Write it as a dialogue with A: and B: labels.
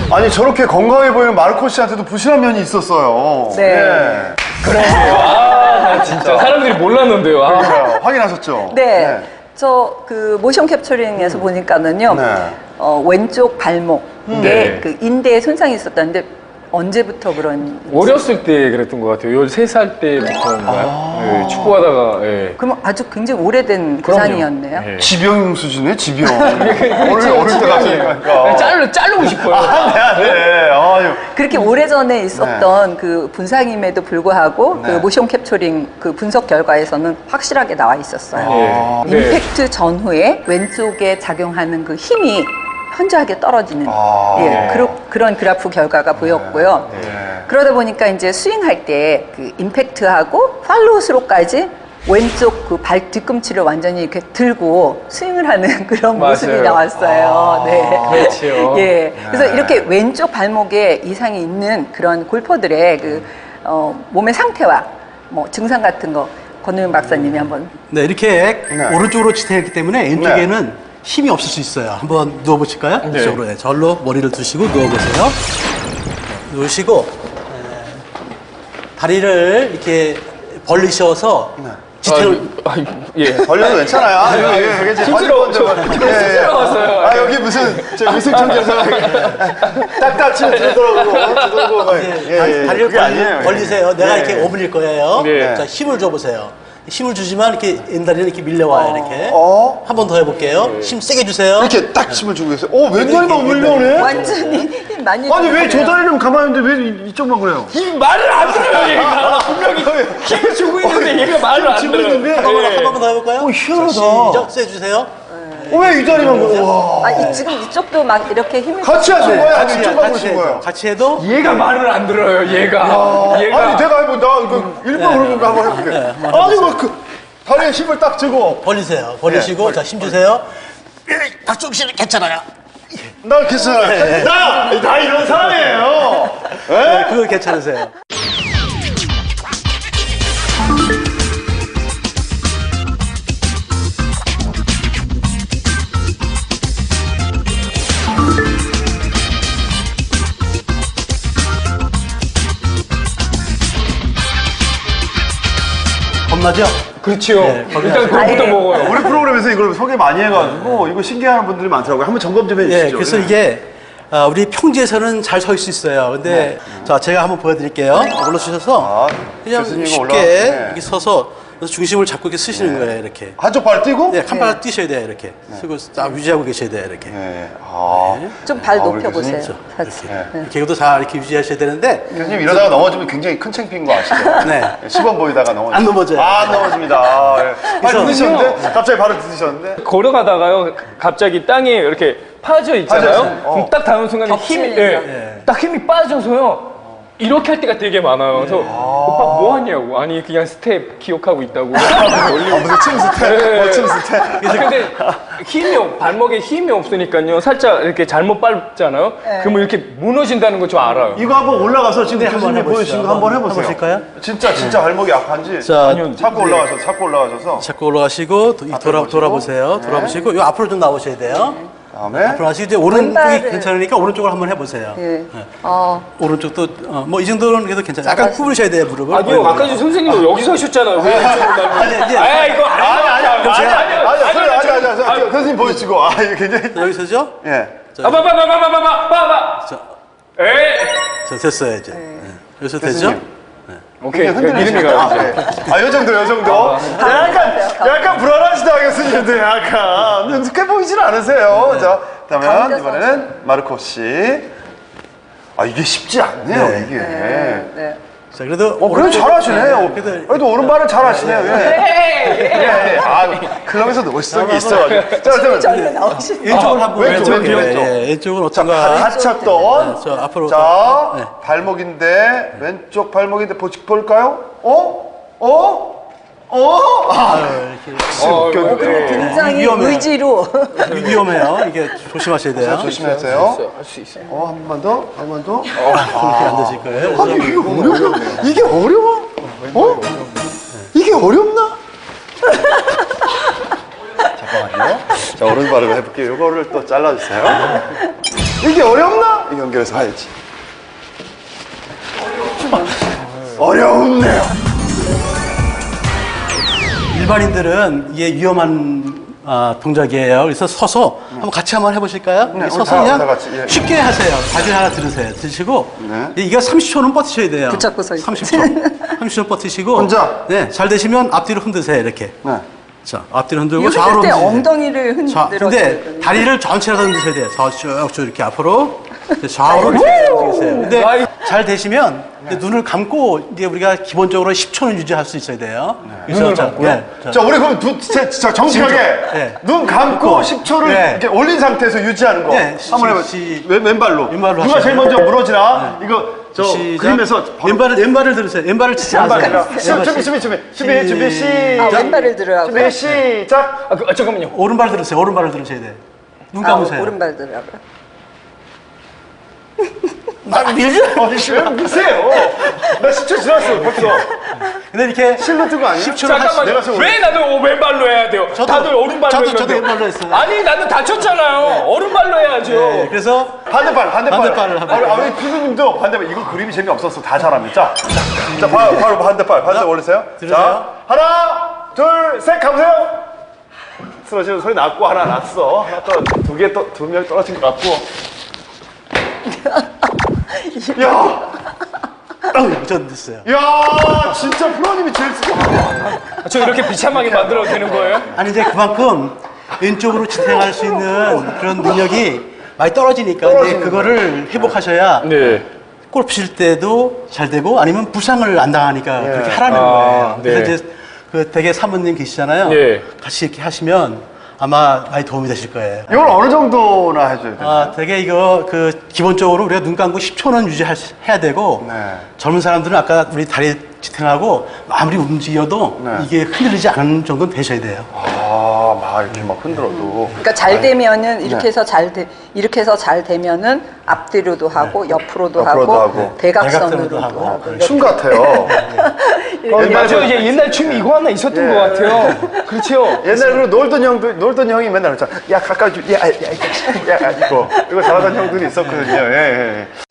A: 아니 저렇게 건강해 보이는 마르코 씨한테도 부실한 면이 있었어요.
B: 네.
A: 예.
C: 아, 진짜 사람들이 몰랐는데요. 아.
A: 그러니까요. 확인하셨죠?
B: 네. 저 그 모션 캡처링에서 보니까는요.
A: 네.
B: 왼쪽 발목에
C: 네.
B: 그 인대에 손상이 있었다는데 언제부터 그런?
C: 어렸을 때 그랬던 것 같아요. 13살 때부터인가요? 네, 축구하다가. 예.
B: 그럼 아주 굉장히 오래된
C: 그럼요.
B: 부상이었네요.
C: 예.
A: 지병 수준의 지병.
C: 그렇죠,
A: 어릴 때 가시니까.
C: 자르고 싶어요.
A: 네. 아유.
B: 그렇게 오래전에 있었던 그 분상임에도 불구하고 그 모션 캡처링 그 분석 결과에서는 확실하게 나와 있었어요.
C: 네.
B: 임팩트 전후에 왼쪽에 작용하는 그 힘이 현저하게 떨어지는
A: 네.
B: 그런 그래프 결과가 보였고요. 그러다 보니까 이제 스윙할 때 그 임팩트하고 팔로우 스로까지 왼쪽 그 발 뒤꿈치를 완전히 이렇게 들고 스윙을 하는 그런
C: 맞아요.
B: 모습이 나왔어요. 네.
C: 그렇죠.
B: 예. 그래서 이렇게 왼쪽 발목에 이상이 있는 그런 골퍼들의 그 몸의 상태와 뭐 증상 같은 거 권우영 박사님이 한번.
D: 네, 이렇게
A: 네.
D: 오른쪽으로 지탱했기 때문에 왼쪽에는 힘이 없을 수 있어요. 한번 누워보실까요?
C: 네.
D: 이쪽으로. 네, 절로 머리를 두시고 누워보세요. 누우시고 다리를 이렇게 벌리셔서 지탱을
C: 예.
A: 벌려도 괜찮아요. 아, 이게 제
C: 힘스러워. 힘스러웠어요.
A: 아, 여기 무슨, 저 위생청에서 딱딱 치면 들더라고.
D: 다리를
A: 그게 아니에요.
D: 벌리세요. 내가
A: 예.
D: 이렇게 오므릴 거예요.
C: 네.
D: 자, 힘을 줘보세요. 힘을 주지만 이렇게 왼다리는 이렇게 밀려와요. 이렇게. 한 번 더 해볼게요. 힘 세게 주세요.
A: 이렇게 딱 힘을 주고 계세요. 왼다리만 올려오네?
B: 완전히 힘 많이.
A: 아니, 왜 저
B: 들어가네요.
A: 다리는 가만히 있는데 왜 이쪽만 그래요?
C: 이 말을 안 들어요, 얘가. 분명히 힘을 주고 있는데 얘가 말을 안
A: 주고
C: 들어요.
A: 있는데?
D: 한 번만 더 해볼까요?
A: 희한하다.
D: 시작 세주세요.
A: 왜 이 다리만 그래? 와.
B: 지금 이쪽도 막 이렇게 힘을.
A: 같이 하신 거예요? 아니,
D: 같이,
A: 이쪽만
D: 같이
A: 보신 거예요?
D: 해도, 같이 해도
C: 얘가 말을 안 들어요, 얘가. 얘가.
A: 아니, 내가 해보 나 이거 일부러 그런 거 한번 해볼게. 아니, 뭐, 다리에 힘을 딱 주고.
D: 벌리세요. 벌리시고 자, 힘 주세요. 박종 씨는 괜찮아요.
A: 나 괜찮아요. 나 이런 사람이에요.
D: 네, 그거 괜찮으세요. 겁나죠?
C: 그렇죠.
D: 네,
C: 일단 그거부터
B: 아예.
C: 먹어요.
A: 우리 프로그램에서 이걸 소개 많이 해가지고 이거 신기해하는 분들이 많더라고요. 한번 점검 좀 해주시죠.
D: 예, 그래서 이게 우리 평지에서는 잘 설 수 있어요. 근데 자, 제가 한번 보여드릴게요. 올라주셔서 그냥
A: 교수님
D: 쉽게
A: 네.
D: 이렇게 서서 그래서 중심을 잡고 이렇게 쓰시는 거예요. 이렇게.
A: 한쪽 발 띄고?
D: 네, 칸발을 뛰셔야 돼요. 이렇게. 쓰고 딱 유지하고 계셔야 돼요. 이렇게.
A: 네.
B: 좀 발
A: 우리
B: 높여보세요.
A: 교수님.
B: 같이. 네.
D: 계곡도 잘 이렇게 유지하셔야 되는데
A: 교수님 이러다가 넘어지면 굉장히 큰 창피인 거 아시죠?
D: 네.
A: 시범 보이다가 넘어지죠.
D: 안 넘어져요.
A: 안 넘어집니다. 아, 예. 발
D: 그래서-
A: 디디셨는데? 갑자기 발을 디디셨는데?
C: 걸어가다가요, 갑자기 땅에 이렇게 파져 있잖아요.
A: 파져 있어요.
C: 그럼 딱 닿는 순간에 힘이,
B: 겹치는
C: 딱 힘이 빠져서요. 이렇게 할 때가 되게 많아요. 그래서 오빠 뭐 하냐고. 아니, 그냥 스텝 기억하고 있다고.
A: 무슨 침 스텝? 침 스텝?
C: 근데 발목에 힘이 없으니까요. 살짝 이렇게 잘못 밟잖아요. 그러면 이렇게 무너진다는 거 저 알아요.
A: 이거 한번 올라가서 지금
D: 한번
A: 교수님
D: 해보시죠.
A: 보여주신 거 한번 해보세요.
D: 해보실까요?
A: 진짜 발목이 약한지.
D: 자,
A: 자꾸 올라가셔서.
D: 자꾸 올라가시고 돌아보세요. 돌아보시고 요 앞으로 좀 나오셔야 돼요.
A: 다음에.
D: 앞으로 하시고 이제 오른쪽이
B: 왼발을-
D: 괜찮으니까 오른쪽으로 한번 해보세요.
B: 예.
D: 네.
B: 오른쪽도
D: 뭐 이 정도는 그래도 괜찮아요. 약간 구부리셔야 돼요, 무릎을.
C: 아니요, 아까 전 선생님 여기 서셨잖아요. 왜 이쪽으로 가요?
D: 이제-
C: 아, 이거
A: 아니, 교수님 보여주고. 아, 이거 굉장히.
D: 여기서죠?
A: 예.
C: 봐봐. 에이.
D: 자, 됐어요, 이제. 네. 여기서 되죠?
A: 교수님.
C: 오케이.
A: 흔들리시네.
C: 이름이 가요, 이제.
A: 요 정도. 약간 불안하시다, 교수님들. 약간. 능숙해 보이진 않으세요. 자, 그러면
B: 가운데서
A: 이번에는 마르코 씨. 아, 이게 쉽지 않네요,
D: 네.
A: 이게.
B: 네.
D: 자, 그래도.
A: 그래도 잘하시네요.
D: 그래도
A: 그래도 오른발은 잘하시네요. 예. 아, 클럽에서도 멋있는 있어가지고. 자, 그러면
B: 절로 나오시는.
D: 왼쪽을 한번
A: 왼쪽.
D: 왼쪽은 어떤가?
A: 다쳤던.
D: 저 앞으로.
A: 자,
D: 네.
A: 발목인데, 왼쪽 발목인데, 볼까요?
B: 굉장히
D: 위험해요.
B: 의지로.
D: 위험해요. 이게 조심하셔야 돼요.
A: 조심하세요.
C: 할 수 있어요.
A: 한 번 더, 한 번 더.
D: 그렇게 안 되실 거예요. 그래서
A: 이게 어려워? 이게 어려워? 이게 어렵나? 잠깐만요. 자, 오른발을 해볼게요. 이거를 또 잘라주세요. 이게 어렵나? 연결해서 봐야지. 어렵네요.
D: 일반인들은 이게 위험한 동작이에요. 그래서 서서 한번 같이 한번 해보실까요?
A: 네,
D: 서서
A: 다
D: 그냥
A: 같이, 예.
D: 쉽게 하세요. 자기 하나 들으세요. 드시고
A: 네.
D: 이거 30초는 버티셔야 돼요.
B: 붙잡고 서 있어요.
D: 30초. 30초 버티시고
A: 혼자?
D: 네, 잘 되시면 앞뒤로 흔드세요. 이렇게.
A: 네.
D: 자, 앞뒤로 흔들고
B: 이거
D: 좌우로
B: 할때
D: 흔드세요.
B: 엉덩이를
D: 자,
B: 흔들어.
D: 근데 다리를 전체로 흔드셔야 돼요. 쭉쭉 이렇게 앞으로 좌우로 흔드세요. 근데 잘 되시면 이제 눈을 감고 이제 우리가 기본적으로 10초는 유지할 수 있어야 돼요. 그래서
C: 눈을
D: 자,
C: 감고요?
D: 네, 자,
A: 자, 우리 그럼 정직하게
D: 네.
A: 눈 감고 10초를
D: 네.
A: 이렇게 올린 상태에서 유지하는 거.
D: 네.
A: 한번 해봐. 왼발로.
D: 왼발로
A: 누가 제일
D: 하시죠.
A: 먼저 무너지나? 이거 저
D: 시작.
A: 그림에서
D: 왼발을 들으세요. 왼발을 치지
A: 왼발이라.
D: 마세요.
A: 준비 시작.
B: 왼발을 들으라고.
A: 준비 시작.
C: 잠깐만요.
D: 오른발 들으세요. 오른발을 들으셔야 돼요. 눈 감으세요.
B: 오른발 들으라고.
A: 왜 미세요? 나 10초 지났어 벌써.
D: 근데 이렇게
A: 실로 뜨고 아니야?
D: 10초를
C: 잠깐만.
A: 내가 좀
C: 왜 나도 왼발로 해야 돼요? 다들 오른발로
D: 저도
C: 해야 돼요.
D: 왼발로 했어요.
C: 아니 나는 다쳤잖아요. 오른발로 해야죠.
D: 네, 그래서 반대발을 하면
A: 우리 피디님도 반대발. 이거 그림이 재미없었어. 다 잘하면. 자, 바로 반대발 올리세요.
D: 들으세요.
A: 자, 하나, 둘, 셋 가보세요. 쓰러지는 소리 났고 하나 났어. 하나 두 명 떨어진 것 같고. 야,
D: 전 됐어요.
A: 야, 진짜 프로님이 제일 쓰다.
C: 저 이렇게 비참하게 만들어도 되는 거예요?
D: 아니 이제 그만큼 왼쪽으로 지탱할 수 있는 그런 능력이 많이 떨어지니까 이제 그거를 회복하셔야
C: 네.
D: 골프 칠 때도 잘 되고 아니면 부상을 안 당하니까 그렇게 하라는 거예요.
C: 네.
D: 그래서 이제 그 되게 사모님 계시잖아요.
C: 예.
D: 같이 이렇게 하시면 아마 많이 도움이 되실 거예요.
A: 이걸 어느 정도나 해줘야 돼요?
D: 되게 이거 기본적으로 우리가 눈 감고 10초는 유지해야 되고
A: 네.
D: 젊은 사람들은 아까 우리 다리 지탱하고 아무리 움직여도
A: 네.
D: 이게 흔들리지 않는 정도는 되셔야 돼요.
A: 막 이렇게 막 흔들어도.
B: 그러니까 잘 되면은 이렇게 해서 이렇게 해서 잘 되면은 앞뒤로도 하고 옆으로도 하고 대각선으로도
D: 하고.
B: 하고.
A: 춤 같아요.
C: 맞아요. 이제 옛날 춤이 이거 하나 있었던 것 같아요. 그렇죠.
A: 옛날에 그 놀던 형이 맨날 그랬잖아. 야, 가까이 좀, 야, 이거 잘하던 형들이 있었거든요. 예.